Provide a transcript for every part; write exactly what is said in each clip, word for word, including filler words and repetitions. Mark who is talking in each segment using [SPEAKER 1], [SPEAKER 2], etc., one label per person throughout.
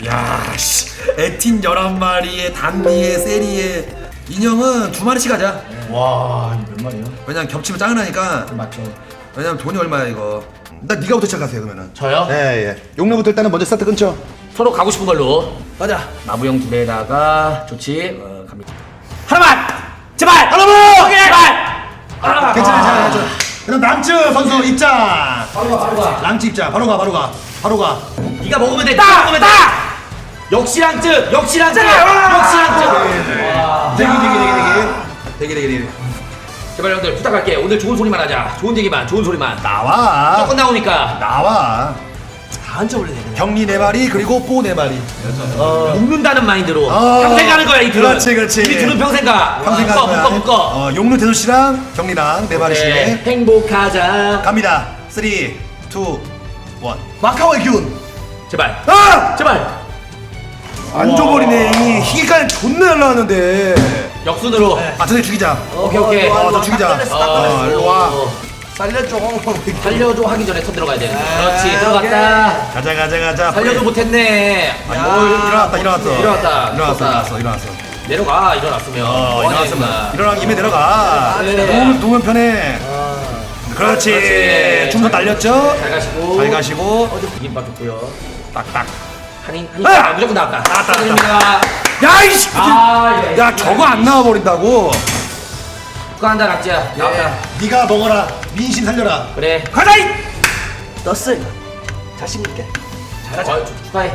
[SPEAKER 1] 야씨 에틴 열한 마리에 단리에 세리에 인형은 두 마리씩 하자.
[SPEAKER 2] 와, 이거 몇 마리야?
[SPEAKER 1] 왜냐면 겹치면 짱나니까.
[SPEAKER 2] 맞죠.
[SPEAKER 1] 왜냐면 돈이 얼마야 이거. 나 네가부터 시작하세요 그러면은.
[SPEAKER 3] 저요?
[SPEAKER 2] 예, 예. 용례부터 일단은 먼저 스타트 끊죠.
[SPEAKER 3] 서로 가고 싶은 걸로.
[SPEAKER 1] 가자.
[SPEAKER 3] 마부형 두 대에다가 좋지. 어, 갑니다. 하나만! 제발!
[SPEAKER 1] 하나만!
[SPEAKER 3] 오케이! 제발!
[SPEAKER 1] 아, 괜찮아 괜찮아 괜찮아. 그럼 랑츠 선수 입장.
[SPEAKER 3] 바로 가, 바로 가.
[SPEAKER 1] 랑츠 입장. 바로 가 바로 가. 바로 가.
[SPEAKER 3] 네가 먹으면 돼. 네가 먹으면 돼. 역시 랑증! 역시 랑증! 역시 랑증!
[SPEAKER 1] 대기 대기 대기 대기 대기 대기.
[SPEAKER 3] 제발 형들 부탁할게. 오늘 좋은 소리만 하자. 좋은 얘기만, 좋은 소리만.
[SPEAKER 1] 나와.
[SPEAKER 3] 무조건 나오니까.
[SPEAKER 1] 나와.
[SPEAKER 2] 다 앉아버려 되겠네.
[SPEAKER 1] 격리 네 마리 그리고 뽀 네 마리.
[SPEAKER 3] 먹는다는 마인드로
[SPEAKER 1] 어.
[SPEAKER 3] 평생 가는 거야 이 둘은.
[SPEAKER 1] 그렇지, 그렇지.
[SPEAKER 3] 이 둘은 평생 가.
[SPEAKER 1] 평생
[SPEAKER 3] 묶어
[SPEAKER 1] 가는
[SPEAKER 3] 묶어
[SPEAKER 1] 거야.
[SPEAKER 3] 묶어.
[SPEAKER 1] 어, 용루 대수 씨랑 격리랑 네 마리씩.
[SPEAKER 3] 네, 행복하자.
[SPEAKER 1] 갑니다. 삼, 이, 일. 마카오의 기운.
[SPEAKER 3] 제발.
[SPEAKER 1] 아!
[SPEAKER 3] 제발.
[SPEAKER 1] 안 줘버리네. 이 희귀까지 존나 날라왔는데.
[SPEAKER 3] 역순으로.
[SPEAKER 1] 아, 저기 죽이자.
[SPEAKER 3] 오케이 오케이.
[SPEAKER 1] 어, 저 죽이자. 어, 일로 와.
[SPEAKER 2] 살려줘.
[SPEAKER 3] 살려줘 하기 전에 턴 들어가야 돼. 그렇지 들어갔다.
[SPEAKER 1] 가자, 가자, 가자.
[SPEAKER 3] 살려줘 못했네.
[SPEAKER 1] 아, 뭐, 일어났다, 일어났어.
[SPEAKER 3] 일어났다.
[SPEAKER 1] 일어났어, 일어났어, 일어났어.
[SPEAKER 3] 내려가 일어났으면.
[SPEAKER 1] 어,
[SPEAKER 3] 뭐하냐,
[SPEAKER 1] 일어났으면.
[SPEAKER 3] 임마.
[SPEAKER 1] 일어난 김에 내려가.
[SPEAKER 3] 네.
[SPEAKER 1] 누우면, 누우면 편해. 그렇지.
[SPEAKER 3] 그렇지.
[SPEAKER 1] 좀 더 날렸죠?
[SPEAKER 3] 잘 가시고.
[SPEAKER 1] 잘 가시고.
[SPEAKER 3] 이김밥 좋고요.
[SPEAKER 1] 딱딱.
[SPEAKER 3] 한인 한인
[SPEAKER 1] 아!
[SPEAKER 3] 아, 무조건 나왔다.
[SPEAKER 1] 나왔다,
[SPEAKER 3] 축하드립니다.
[SPEAKER 1] 야, 이씨!
[SPEAKER 3] 아, 예.
[SPEAKER 1] 야, 저거 안 나와버린다고?
[SPEAKER 3] 축하한다 낙지야. 나왔다.
[SPEAKER 1] 네가 먹어라. 민심 살려라.
[SPEAKER 3] 그래.
[SPEAKER 1] 가자! 이!
[SPEAKER 2] 떴어. 자신 있게.
[SPEAKER 3] 어, 축- 축하해.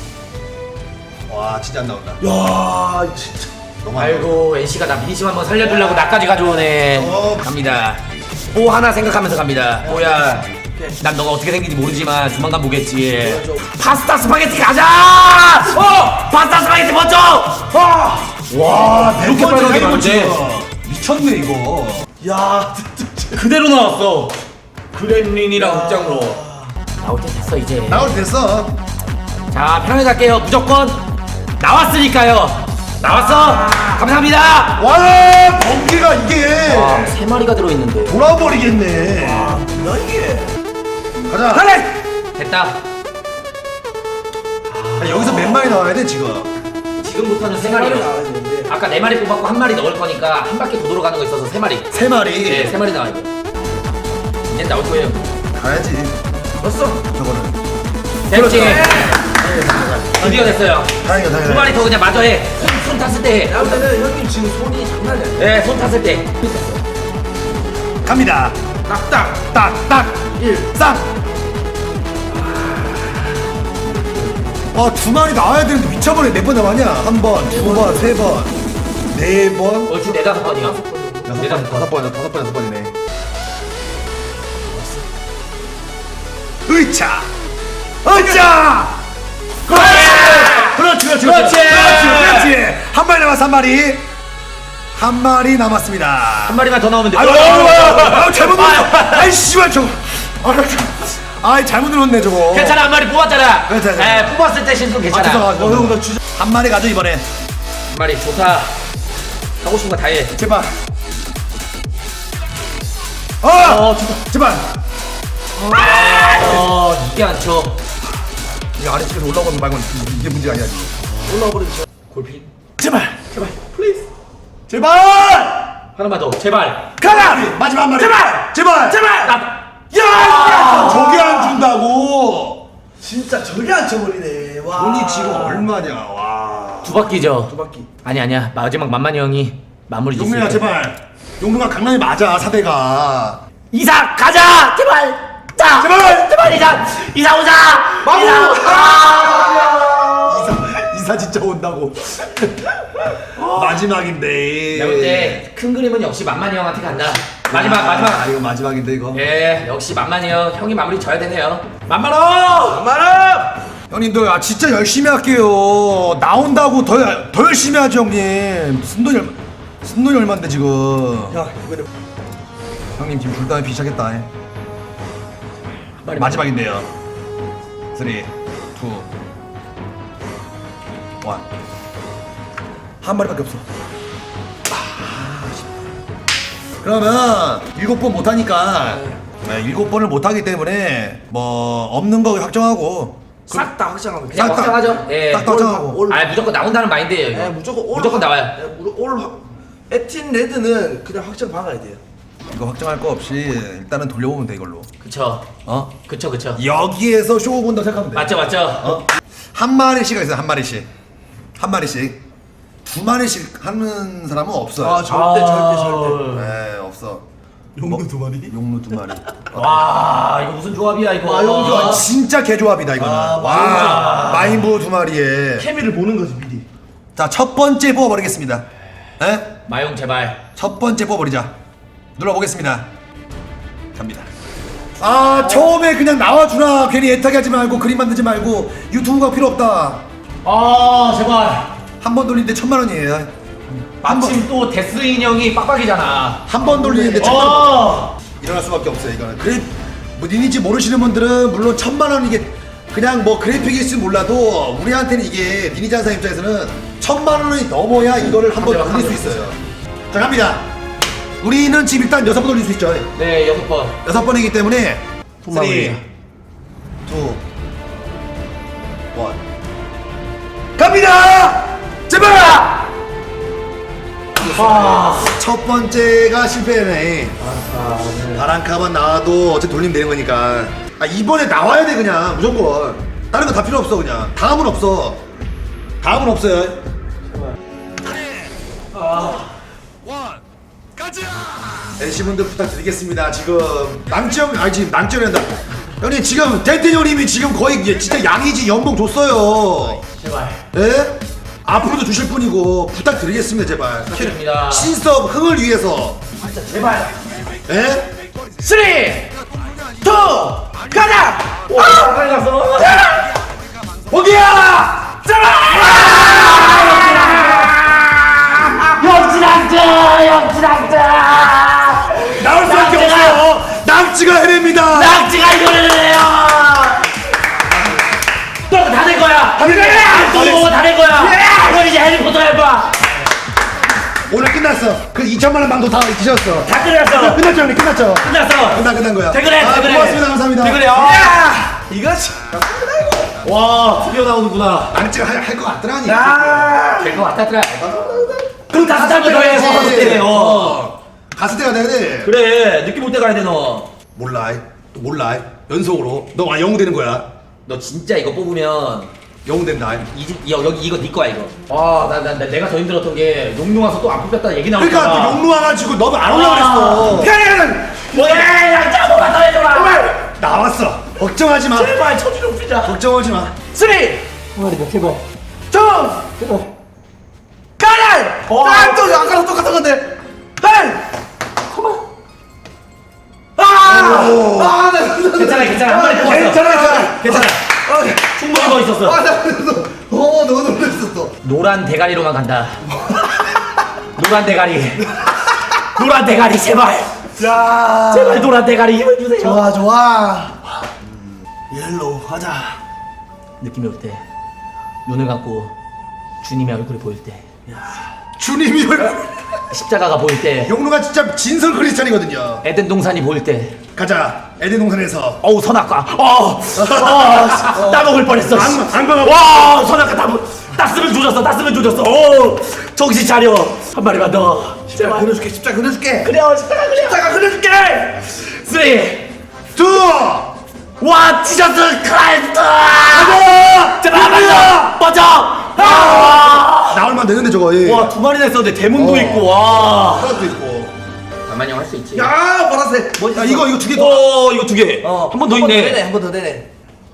[SPEAKER 1] 와, 진짜 안 나온다.
[SPEAKER 2] 야, 진짜.
[SPEAKER 1] 너무 안 나온다.
[SPEAKER 3] 아이고 엔씨가 나 민심 한번 살려주려고 나까지 가져오네.
[SPEAKER 1] 어.
[SPEAKER 3] 갑니다. 뽀 하나 생각하면서 갑니다. 뽀야. 난 너가 어떻게 생긴지 모르지만 조만간 보겠지. 파스타 스파게티 가자! 어! 파스타 스파게티 먼저! 어!
[SPEAKER 1] 와,
[SPEAKER 3] 이렇게 빨갛게 나오는데?
[SPEAKER 1] 미쳤네, 이거.
[SPEAKER 2] 야, 진짜.
[SPEAKER 3] 그대로 나왔어. 그랜린이랑 극장으로. 나올 때 됐어 이제.
[SPEAKER 1] 나올 때 됐어.
[SPEAKER 3] 자 편하게 갈게요. 무조건 나왔으니까요. 나왔어. 감사합니다.
[SPEAKER 1] 와, 번개가 이게
[SPEAKER 3] 와, 세 마리가 들어있는데.
[SPEAKER 1] 돌아버리겠네.
[SPEAKER 2] 뭐야 이게?
[SPEAKER 1] 가자.
[SPEAKER 3] 그래! 됐다.
[SPEAKER 1] 아, 여기서 몇 마리 나와야 돼, 지금?
[SPEAKER 3] 지금부터는 세
[SPEAKER 2] 나와야
[SPEAKER 3] 마리요.
[SPEAKER 2] 되는데.
[SPEAKER 3] 아까 네 마리 뽑았고 한 마리 넣을 거니까 한 바퀴 더 돌아가는 거 있어서 세 마리.
[SPEAKER 1] 세 마리.
[SPEAKER 3] 네, 세 마리 나와야 돼. 이제 나올 거예요.
[SPEAKER 1] 가야지.
[SPEAKER 2] 떴어.
[SPEAKER 1] 저거는.
[SPEAKER 3] 됐지? 드디어 됐어요.
[SPEAKER 1] 다행이다, 다행이다.
[SPEAKER 3] 두 마리 더 그냥 마저 해. 손, 손 탔을 때 해.
[SPEAKER 2] 야, 근데 형님 지금 손이 장난이 아니야.
[SPEAKER 3] 네, 손 탔을 때.
[SPEAKER 1] 갑니다.
[SPEAKER 2] 딱딱.
[SPEAKER 1] 딱, 딱.
[SPEAKER 2] 일.
[SPEAKER 1] 쌍. 아, 두 마리 나와야 되는데 미쳐버려. 몇 번 나왔냐? 한 번, 두 번, 세 번, 네 번.
[SPEAKER 3] 어, 지금 네다섯 번이요.
[SPEAKER 1] 여섯
[SPEAKER 3] 네다섯
[SPEAKER 1] 번,
[SPEAKER 3] 번.
[SPEAKER 1] 다섯 번, 다섯 번, 여섯 번이네. 으차! 으차! 그렇지! 그렇지, 그렇지,
[SPEAKER 3] 그렇지!
[SPEAKER 1] 그렇지, 그렇지! 한 마리 남았어, 한 마리. 한 마리 남았습니다.
[SPEAKER 3] 한 마리만 더 나오면 돼.
[SPEAKER 1] 아유, 아유, 아유, 아유, 잘못 눌렀어. 아이, 씨발, 저거. 아유, 아이, 잘못 눌렀네, 저거.
[SPEAKER 3] 괜찮아, 한 마리 뽑았잖아.
[SPEAKER 1] 괜찮아.
[SPEAKER 3] 네, 뽑았을 때 실수
[SPEAKER 1] 아,
[SPEAKER 3] 괜찮아.
[SPEAKER 1] 죄송합니다. 어, 형, 나 주저... 한 마리 가져, 이번에.
[SPEAKER 3] 한 마리 좋다. 하고 싶은 거 다 해.
[SPEAKER 1] 제발. 어!
[SPEAKER 3] 어, 좋다.
[SPEAKER 1] 제발.
[SPEAKER 3] 어, 이게 안 쳐.
[SPEAKER 1] 이게 아래쪽에서 올라오는 말고 이게 문제가 아니야, 지금.
[SPEAKER 2] 올라와 버리죠.
[SPEAKER 3] 골피.
[SPEAKER 1] 제발.
[SPEAKER 3] 제발, 플리즈.
[SPEAKER 1] 제발!
[SPEAKER 3] 하나만 더, 제발.
[SPEAKER 1] 가라! 마지막 한 마리.
[SPEAKER 3] 제발!
[SPEAKER 1] 제발!
[SPEAKER 3] 제발! 나.
[SPEAKER 1] 야! 저게 안 준다고!
[SPEAKER 2] 진짜 저게 안 쳐버리네. 와.
[SPEAKER 1] 돈이 지금 얼마냐, 와.
[SPEAKER 3] 두 바퀴죠.
[SPEAKER 2] 두 바퀴.
[SPEAKER 3] 아니 아니야. 마지막 만만이 형이 마무리 짓을
[SPEAKER 1] 용민아,
[SPEAKER 3] 때.
[SPEAKER 1] 제발. 용민아, 강남이 맞아, 사대가.
[SPEAKER 3] 이사 가자. 제발. 자.
[SPEAKER 1] 제발!
[SPEAKER 3] 제발 이사. 이사 오자.
[SPEAKER 1] 마구!
[SPEAKER 3] 이사. 아!
[SPEAKER 1] 이사, 이사 진짜 온다고. 마지막인데.
[SPEAKER 3] 내가 볼 때 큰 그림은 역시 만만이 형한테 간다. 마지막
[SPEAKER 1] 아,
[SPEAKER 3] 마지막.
[SPEAKER 1] 이거 마지막인데, 이거.
[SPEAKER 3] 예, 역시 만만이 형. 형이 마무리 져야 되네요. 만만호.
[SPEAKER 2] 마람.
[SPEAKER 1] 형님들, 아, 진짜 열심히 할게요. 나온다고 더, 열- 더 열심히 하죠, 형님. 무슨 돈이 얼마, 무슨 돈이 얼만데, 지금.
[SPEAKER 2] 야, 이번에
[SPEAKER 1] 형님, 지금 불담에 비시작했다. 마지막인데요. 삼, 이, 일. 한 마리밖에 없어. 아, 아쉽다. 그러면 일곱 번 못하니까 네, 일곱 번을 못하기 때문에 뭐 없는 거 확정하고
[SPEAKER 2] 싹 다 확정하면
[SPEAKER 3] 그냥
[SPEAKER 1] 싹 다.
[SPEAKER 3] 확정하죠. 예.
[SPEAKER 1] 싹다 확정하고.
[SPEAKER 2] 올.
[SPEAKER 3] 아 무조건 나온다는 마인드예요. 이거.
[SPEAKER 2] 네, 무조건 올.
[SPEAKER 3] 무조건 나와요.
[SPEAKER 2] 네, 무- 올. 확- 에틴 레드는 그냥 확정 박아야 돼요.
[SPEAKER 1] 이거 확정할 거 없이 일단은 돌려보면 돼 이걸로.
[SPEAKER 3] 그쵸.
[SPEAKER 1] 어?
[SPEAKER 3] 그쵸 그쵸.
[SPEAKER 1] 여기에서 쇼 본다 생각하면 돼.
[SPEAKER 3] 맞죠 맞죠.
[SPEAKER 1] 어? 한 마리씩 있어요. 한 마리씩. 한 마리씩. 두 마리씩 하는 사람은 없어요.
[SPEAKER 2] 아, 절대 절대 절대.
[SPEAKER 1] 네, 없어.
[SPEAKER 2] 용도 두 마리.
[SPEAKER 1] 용루 두 마리.
[SPEAKER 3] 와 이거 무슨 조합이야 이거.
[SPEAKER 2] 아, 용조.
[SPEAKER 1] 이거 진짜 개조합이다 이거는.
[SPEAKER 2] 아,
[SPEAKER 1] 와, 마인부 두 마리에.
[SPEAKER 2] 케미를 보는 거지 미리.
[SPEAKER 1] 자, 첫 번째 뽑아버리겠습니다. 에?
[SPEAKER 3] 마용 제발.
[SPEAKER 1] 첫 번째 뽑아버리자. 눌러보겠습니다. 갑니다. 아, 처음에 그냥 나와주라. 괜히 애타게 하지 말고 그림 만들지 말고 유튜브가 필요 없다.
[SPEAKER 3] 아 제발.
[SPEAKER 1] 한 번 돌리는데 천만 원이에요. 한 번,
[SPEAKER 3] 마침 또 데스 인형이 빡빡이잖아.
[SPEAKER 1] 한 번 돌리는데 천만 원.
[SPEAKER 3] 어.
[SPEAKER 1] 일어날 수밖에 없어요 이거는. 그래 뭐 니니지 모르시는 분들은 물론 천만 원 이게 그냥 뭐 그래픽일지 몰라도 우리한테는 이게 니니지 한사 입장에서는 천만 원이 넘어야 이거를 한번
[SPEAKER 3] 한 대,
[SPEAKER 1] 돌릴
[SPEAKER 3] 한
[SPEAKER 1] 수
[SPEAKER 3] 대.
[SPEAKER 1] 있어요. 자 갑니다. 우리는 지금 일단 여섯 번 돌릴 수 있죠.
[SPEAKER 3] 네 여섯 번.
[SPEAKER 1] 여섯 번이기 때문에 삼, 이, 일 갑니다. 제발.
[SPEAKER 3] 아.
[SPEAKER 1] 첫 번째가 실패네.
[SPEAKER 3] 아, 네.
[SPEAKER 1] 바람카만 나와도 어차피 돌리면 되는 거니까. 아 이번에 나와야 돼 그냥 무조건. 다른 거 다 필요 없어 그냥. 다음은 없어. 다음은 없어요.
[SPEAKER 3] 아.
[SPEAKER 1] 엔씨분들 부탁드리겠습니다. 지금 낭지형 아니 지금 낭지형이란다. 형님 지금 덴텐 형님이 지금 거의 이게 진짜 양이지 연봉 줬어요.
[SPEAKER 3] 제발.
[SPEAKER 1] 예? 앞으로도 주실 분이고 부탁드리겠습니다 제발.
[SPEAKER 3] 부탁드립니다.
[SPEAKER 1] 신스업 흥을 위해서.
[SPEAKER 3] 진짜 제발.
[SPEAKER 1] 예?
[SPEAKER 2] 쓰리, 투, 가자.
[SPEAKER 3] 와 빨리 갔어.
[SPEAKER 1] 어디야?
[SPEAKER 3] 역지랑자 역지랑자.
[SPEAKER 1] 나올 수밖에 없어요. 낙지가 해냅니다.
[SPEAKER 3] 낙지가 이거를 해요. 너다될 거야.
[SPEAKER 1] 다 된 거야.
[SPEAKER 3] 너다될 거야. 너 이제 해리포터 해봐.
[SPEAKER 1] 오늘 끝났어. 그 이천만 원 방도 다 드셨어.
[SPEAKER 3] 다 끝났어.
[SPEAKER 1] 끝났죠 형님 끝났죠.
[SPEAKER 3] 끝났어.
[SPEAKER 1] 끝난 끝난 거야.
[SPEAKER 3] 퇴근해,
[SPEAKER 1] 아,
[SPEAKER 3] 퇴근해.
[SPEAKER 1] 고맙습니다 감사합니다.
[SPEAKER 3] 퇴근해.
[SPEAKER 2] 야, 이거지.
[SPEAKER 3] 와 드디어 나오는구나.
[SPEAKER 1] 낙지가 할 것 같더라니.
[SPEAKER 2] 야,
[SPEAKER 3] 될 것 같았더라. 그럼 다섯 장더 해.
[SPEAKER 1] 가야지.
[SPEAKER 3] 서서 때네. 어.
[SPEAKER 1] 어. 갔을 때가 돼야 돼.
[SPEAKER 3] 그래 느낌 올 때 가야 돼 너.
[SPEAKER 1] 몰라. 또 몰라. 연속으로. 너 아, 영웅 되는 거야.
[SPEAKER 3] 너 진짜 이거 뽑으면
[SPEAKER 1] 영웅 된다.
[SPEAKER 3] 이집 여기 이거 네 거야 이거. 와나 나 나, 내가 더 힘들었던 게 용룡 와서 또 안 뽑혔다 얘기 나올까
[SPEAKER 1] 그러니까 또 용루 와가지고 너도 안 올라
[SPEAKER 3] 아.
[SPEAKER 1] 그랬어.
[SPEAKER 2] 편애는
[SPEAKER 3] 뭐야 짜고만 더 해줘라.
[SPEAKER 1] 나왔어. 걱정하지 마.
[SPEAKER 2] 제발 처지 좀 피자.
[SPEAKER 1] 걱정하지 마.
[SPEAKER 2] 쓰리,
[SPEAKER 3] 머리 몇 개고.
[SPEAKER 2] 투, 가자.
[SPEAKER 3] 어.
[SPEAKER 2] 아, 또 아까랑 똑같은 건데. 할. 아, 아, 나
[SPEAKER 3] 괜찮아 괜찮아 한 마리 뽑았어.
[SPEAKER 2] 괜찮아, 괜찮아.
[SPEAKER 3] 괜찮아.
[SPEAKER 2] 아,
[SPEAKER 3] 충분히 더 있었어.
[SPEAKER 2] 아, 나 그래서 어, 너무 놀랐어 또.
[SPEAKER 3] 노란 대가리로만 간다. 노란 대가리. 노란 대가리 제발.
[SPEAKER 2] 자,
[SPEAKER 3] 제발 노란 대가리 힘을 주세요.
[SPEAKER 2] 좋아, 좋아. 옐로우 가자.
[SPEAKER 3] 느낌이 올 때, 눈을 감고 주님의 얼굴이 보일 때,
[SPEAKER 1] 주님이 얼굴.
[SPEAKER 3] 십자가가 보일 때,
[SPEAKER 1] 용루가 진짜 진설 크리스찬이거든요.
[SPEAKER 3] 에덴 동산이 보일 때,
[SPEAKER 1] 가자. 에덴 동산에서.
[SPEAKER 3] 어우 선악과, 어, 어, 따먹을 뻔했어. 씨.
[SPEAKER 1] 안- 안 먹어.
[SPEAKER 3] 와, 선악과 다 먹. 따스면 조졌어, 따스면 조졌어. 오, 정신 차려. 한 마리만 더.
[SPEAKER 2] 십자가 그려줄게, 십자가 그려줄게.
[SPEAKER 3] 그래요, 십자가 그래.
[SPEAKER 2] 십자가 그려줄게.
[SPEAKER 3] 쓰리,
[SPEAKER 1] 두.
[SPEAKER 3] 와, 지저스 크라이스트.
[SPEAKER 1] 가자.
[SPEAKER 3] 제발 한 마리 더. 먼저. 아.
[SPEAKER 1] 나올만 되는데 저거. 예.
[SPEAKER 3] 와, 두 마리나 있었는데 대문도
[SPEAKER 1] 어.
[SPEAKER 3] 있고, 와.
[SPEAKER 1] 하나도 있고.
[SPEAKER 3] 만만히 할 수 있지.
[SPEAKER 2] 야, 보라색.
[SPEAKER 1] 야 이거 이거 두 개 더.
[SPEAKER 3] 오, 이거 두 개.
[SPEAKER 2] 어,
[SPEAKER 3] 한 번 더 있네.
[SPEAKER 2] 한 번 더 되네.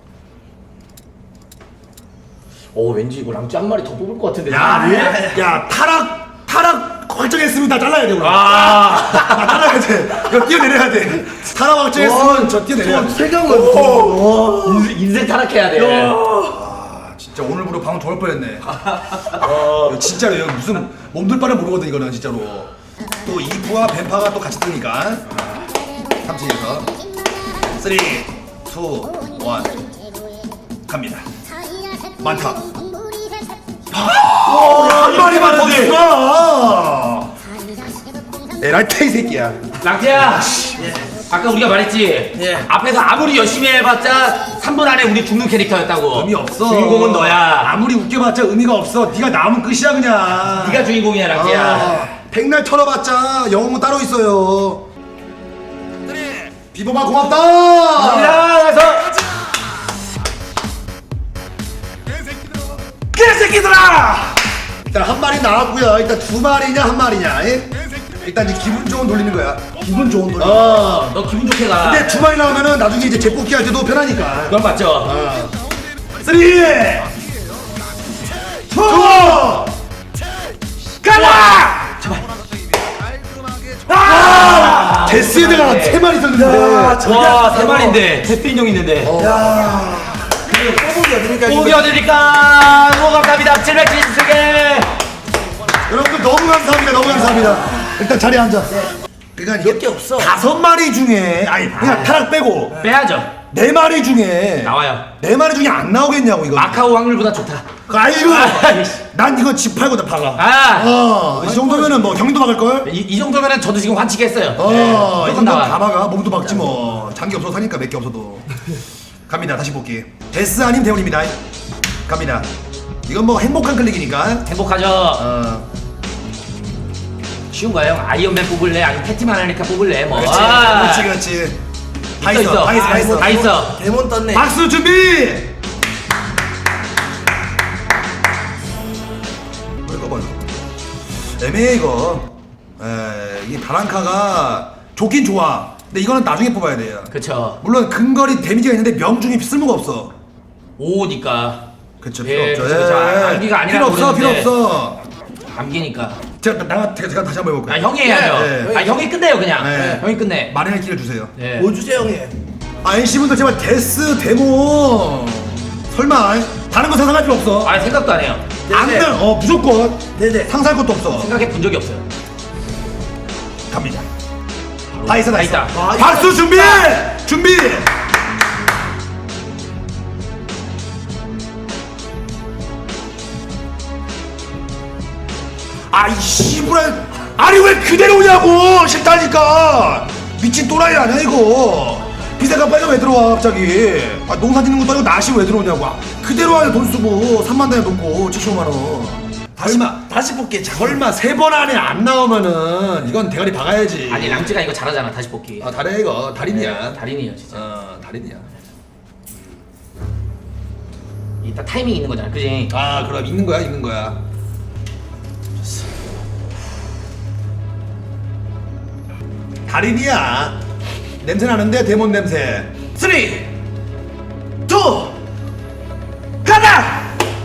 [SPEAKER 3] 오, 왠지 이거 랑쥐 한 마리 더 뽑을 것 같은데.
[SPEAKER 1] 야,
[SPEAKER 3] 왜?
[SPEAKER 1] 야 타락 타락 확정했습니다. 잘라야 돼. 오늘.
[SPEAKER 3] 아.
[SPEAKER 1] 아, 잘라야 돼. 이거 뛰어내려야 돼. 타락 확정했으면 저 뛰어내려야 돼.
[SPEAKER 2] 세경은
[SPEAKER 3] 인생, 인생 타락해야 돼.
[SPEAKER 1] 아, 진짜 오늘부로 방금 좋을 뻔했네. 이거 진짜로 이거 무슨 몸둘 바를 모르거든 이거는 진짜로. 또 이프와 뱀파가 또 같이 뜨니까. 삼층에서 삼, 이, 일 갑니다. 많다. 한 마리만 더 있어. 에라이 이 새끼야.
[SPEAKER 3] 랑쥐야. 아까 우리가 말했지.
[SPEAKER 2] 예.
[SPEAKER 3] 앞에서 아무리 열심히 해봤자 삼 분 안에 우리 죽는 캐릭터였다고.
[SPEAKER 1] 의미 없어.
[SPEAKER 3] 주인공은 너야.
[SPEAKER 1] 아무리 웃겨봤자 의미가 없어. 네가 나오면 끝이야 그냥.
[SPEAKER 3] 네가 주인공이야 락지야.
[SPEAKER 1] 아, 백날 털어봤자 영웅은 따로 있어요. 비보마 고맙다.
[SPEAKER 3] 가서
[SPEAKER 1] 개새끼들아. 일단 한 마리 나왔고요. 일단 두 마리냐 한 마리냐. 예? 일단 이제 기분 좋은 돌리는 거야. 기분 좋은 돌리는 거야.
[SPEAKER 3] 어, 너 기분 좋게 가.
[SPEAKER 1] 근데 두 마리 나오면은 나중에 이제 재뽑기 할 때도 편하니까.
[SPEAKER 3] 그건 맞죠.
[SPEAKER 1] 어. 쓰리, 투, 가라! 아! 데스헤드가 세 마리 있었는데.
[SPEAKER 3] 와, 세 마리인데 데스 인형 있는데.
[SPEAKER 2] 야. 그리고 꼬북이 어디니까
[SPEAKER 3] 고기 어디니까 너무 감사합니다. 칠백칠십칠 개.
[SPEAKER 1] 여러분들 너무 감사합니다. 너무 감사합니다. 일단 자리에 앉아. 그러니까
[SPEAKER 2] 몇 개 없어.
[SPEAKER 1] 다섯 마리 중에 아니 그냥 타락 빼고
[SPEAKER 3] 빼야죠.
[SPEAKER 1] 네 마리 중에
[SPEAKER 3] 나와요.
[SPEAKER 1] 네 마리 중에 안 나오겠냐고 이거.
[SPEAKER 3] 마카오 확률보다 좋다.
[SPEAKER 1] 아이고.
[SPEAKER 3] 아이씨.
[SPEAKER 1] 난 이거 집 팔고 다 박아.
[SPEAKER 3] 아,
[SPEAKER 1] 어, 이 정도면은 뭐 경도 박을 걸?
[SPEAKER 3] 이, 이 정도면은 저도 지금 환치기 했어요.
[SPEAKER 1] 어,
[SPEAKER 3] 네,
[SPEAKER 1] 이
[SPEAKER 3] 무조건
[SPEAKER 1] 정도 다
[SPEAKER 3] 나와.
[SPEAKER 1] 박아. 몸도 박지 뭐. 장기 없어서 사니까 몇 개 없어도. 갑니다. 다시 볼게. 데스 아님 대원입니다. 갑니다. 이건 뭐 행복한 클릭이니까.
[SPEAKER 3] 행복하죠.
[SPEAKER 1] 어.
[SPEAKER 3] 쉬운가요? 아이언맨 뽑을래? 아니면 패티만 하니까 뽑을래? 뭐.
[SPEAKER 1] 그렇지,
[SPEAKER 3] 아.
[SPEAKER 1] 그렇지, 그렇지. 다
[SPEAKER 3] 있어,
[SPEAKER 1] 있어,
[SPEAKER 3] 있어.
[SPEAKER 1] 다 있어, 다 있어.
[SPEAKER 3] 다 있어.
[SPEAKER 2] 데몬 떴네.
[SPEAKER 1] 박수 준비. 뭘 꺼봐 이거. 애매해 이거. 에, 이게 다랑카가 좋긴 좋아. 근데 이거는 나중에 뽑아야 돼요.
[SPEAKER 3] 그쵸.
[SPEAKER 1] 물론 근거리 데미지가 있는데 명중이 쓸모가 없어.
[SPEAKER 3] 오니까.
[SPEAKER 1] 그쵸,
[SPEAKER 3] 예,
[SPEAKER 1] 필요 없죠.
[SPEAKER 3] 그쵸, 그쵸.
[SPEAKER 1] 예,
[SPEAKER 3] 암기가 아니라
[SPEAKER 1] 필요 없어, 필요
[SPEAKER 3] 그러는데.
[SPEAKER 1] 없어.
[SPEAKER 3] 암기니까.
[SPEAKER 1] 제가 나 제가, 제가 다시 한번 해볼게요.
[SPEAKER 3] 아, 형이 해야죠.
[SPEAKER 1] 네.
[SPEAKER 3] 아, 형이 끝내요, 그냥.
[SPEAKER 1] 네.
[SPEAKER 3] 형이 끝내.
[SPEAKER 1] 말의 기회를 주세요.
[SPEAKER 3] 예.
[SPEAKER 2] 뭐 주세요 형님.
[SPEAKER 1] 아 엔씨분들 제발 데스 데모 설마 다른 거 상상할 필요 없어.
[SPEAKER 3] 아, 생각도 안 해요.
[SPEAKER 1] 안 돼. 어 무조건
[SPEAKER 2] 네네.
[SPEAKER 1] 상상할 것도 없어.
[SPEAKER 3] 생각해 본 적이 없어요.
[SPEAKER 1] 갑니다. 다 있어, 다
[SPEAKER 3] 다
[SPEAKER 1] 있어.
[SPEAKER 3] 있다.
[SPEAKER 2] 아,
[SPEAKER 1] 박수 준비, 준비. 아이 씨부랄 아니 왜 그대로 오냐고 싫다니까 미친 또라이 아니야 이거 비세가 빨리 왜 들어와 갑자기 아 농사 짓는 것도 아니고 나시 왜 들어오냐고 아, 그대로 하냐 돈 쓰고 삼만 단에 놓고 칠십오만 원
[SPEAKER 2] 다시
[SPEAKER 1] 설마
[SPEAKER 2] 다시 볼게. 자,
[SPEAKER 1] 설마 세 번 안에 안 나오면은 이건 대가리 박아야지
[SPEAKER 3] 아니, 랑찌가 이거 잘하잖아, 다시 뽑기.
[SPEAKER 1] 아 달해 이거 달인이야
[SPEAKER 3] 네, 달인이에요, 진짜.
[SPEAKER 1] 어 달인이야
[SPEAKER 3] 이따 타이밍 있는 거잖아, 그지?
[SPEAKER 1] 아 그럼 있는 거야 있는 거야 달인이야 냄새 나는데 데몬 냄새
[SPEAKER 2] 쓰리, 투, 가자.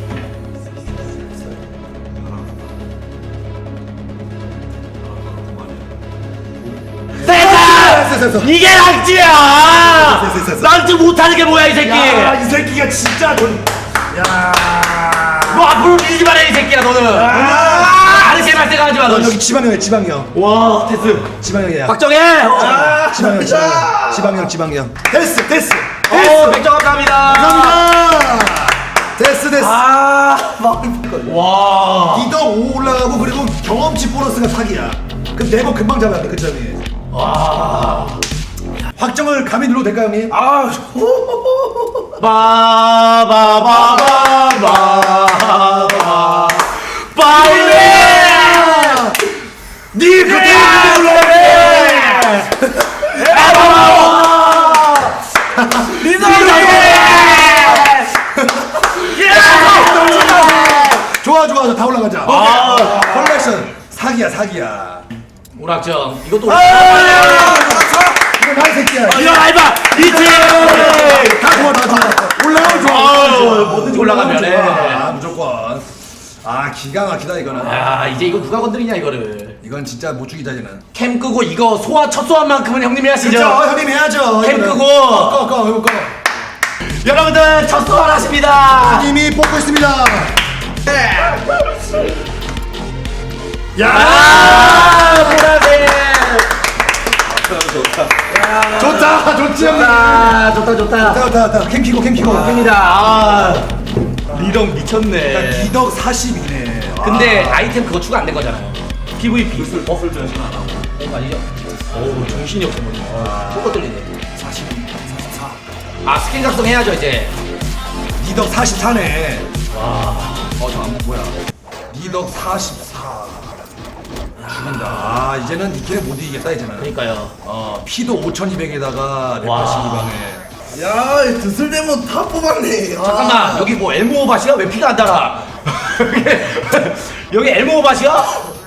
[SPEAKER 3] 됐다!
[SPEAKER 1] 됐어, 됐어.
[SPEAKER 3] 이게 랑찌야!
[SPEAKER 1] 됐어, 됐어, 됐어.
[SPEAKER 3] 랑찌 못하는 게 뭐야, 이 새끼!
[SPEAKER 1] 야이 새끼가 진짜 돈... 야
[SPEAKER 3] 너 앞으로 밀기만 해, 이 새끼야, 너는! 아, 아니, 제발 생각하지 마, 너.
[SPEAKER 1] 넌 여기 지방형이야 지방형
[SPEAKER 3] 와, 됐어.
[SPEAKER 1] 지방형이야
[SPEAKER 3] 박정혜! 어,
[SPEAKER 1] 지방형 지방형 지방형 지방형 됐어 됐어
[SPEAKER 3] 어, 백점 감사합니다.
[SPEAKER 1] 감사합니다 됐어 됐어
[SPEAKER 2] 아, 막
[SPEAKER 3] 와.
[SPEAKER 1] 이덕 오 올라가고 그리고 경험치 보너스가 사기야 그럼 네번 금방 잡아야 돼그 점이
[SPEAKER 3] 와.
[SPEAKER 1] 확정을 감히 눌러도 될까요 형님?
[SPEAKER 2] 아,
[SPEAKER 3] 바바바바바바. 빨리!
[SPEAKER 1] 니 그때 눌러야 좋아 좋아 좋아 다 올라가자
[SPEAKER 3] 아.
[SPEAKER 1] 컬렉션 사기야 사기야
[SPEAKER 3] 오락정, 이것도.
[SPEAKER 1] 이거 나이 새끼야
[SPEAKER 3] 이거 알바! 이팀!
[SPEAKER 1] 다 좋아 다 좋아 올라가면 좋아
[SPEAKER 3] 아유, 뭐든지 올라가면 해.
[SPEAKER 1] 아 무조건 아 기가 막히다 이거는
[SPEAKER 3] 야, 이제 이거 누가 건드리냐, 이거를.
[SPEAKER 1] 이건 진짜 못 죽이자 이는
[SPEAKER 3] 캠 끄고 이거 소화, 첫 소환만큼은 형님이 하시죠.
[SPEAKER 1] 그쵸 형님 해야죠
[SPEAKER 3] 캠
[SPEAKER 1] 이거는.
[SPEAKER 3] 끄고.
[SPEAKER 1] 꺼 꺼 꺼 꺼
[SPEAKER 3] 여러분들, 첫 소환 하십니다.
[SPEAKER 1] 형님이 뽑고 있습니다 야
[SPEAKER 3] 아, 보라색.
[SPEAKER 1] 좋다 좋지 형님
[SPEAKER 3] 아, 좋다, 좋다.
[SPEAKER 1] 좋다 좋다 좋다 캠 키고 캠 키고
[SPEAKER 3] 입니다. 아, 리덕 미쳤네.
[SPEAKER 1] 기덕 사십이네
[SPEAKER 3] 근데 아이템 그거 추가 안 된 거잖아요. 피브이피. 버슬 전신 안 하고. 그거 아니죠? 어우 정신이 없어 보네.
[SPEAKER 1] 아.
[SPEAKER 3] 뭐가 떨리네.
[SPEAKER 1] 사십, 사십사.
[SPEAKER 3] 아 스킨 작성 해야죠 이제.
[SPEAKER 1] 니덕 사십사네.
[SPEAKER 3] 와.
[SPEAKER 1] 어, 잠깐만, 뭐야. 니덕 사십사. 죽인다. 아, 이제는 니케는 못 이기겠다, 이제는.
[SPEAKER 3] 그러니까요.
[SPEAKER 1] 어, 피도 오천이백에다가 백팔십이 방에.
[SPEAKER 2] 야, 이 드슬demon 다 뽑았네. 아.
[SPEAKER 3] 잠깐만 여기 뭐 엘모바시야? 왜 피가 안 달아? 여기 여기 엘모바시야?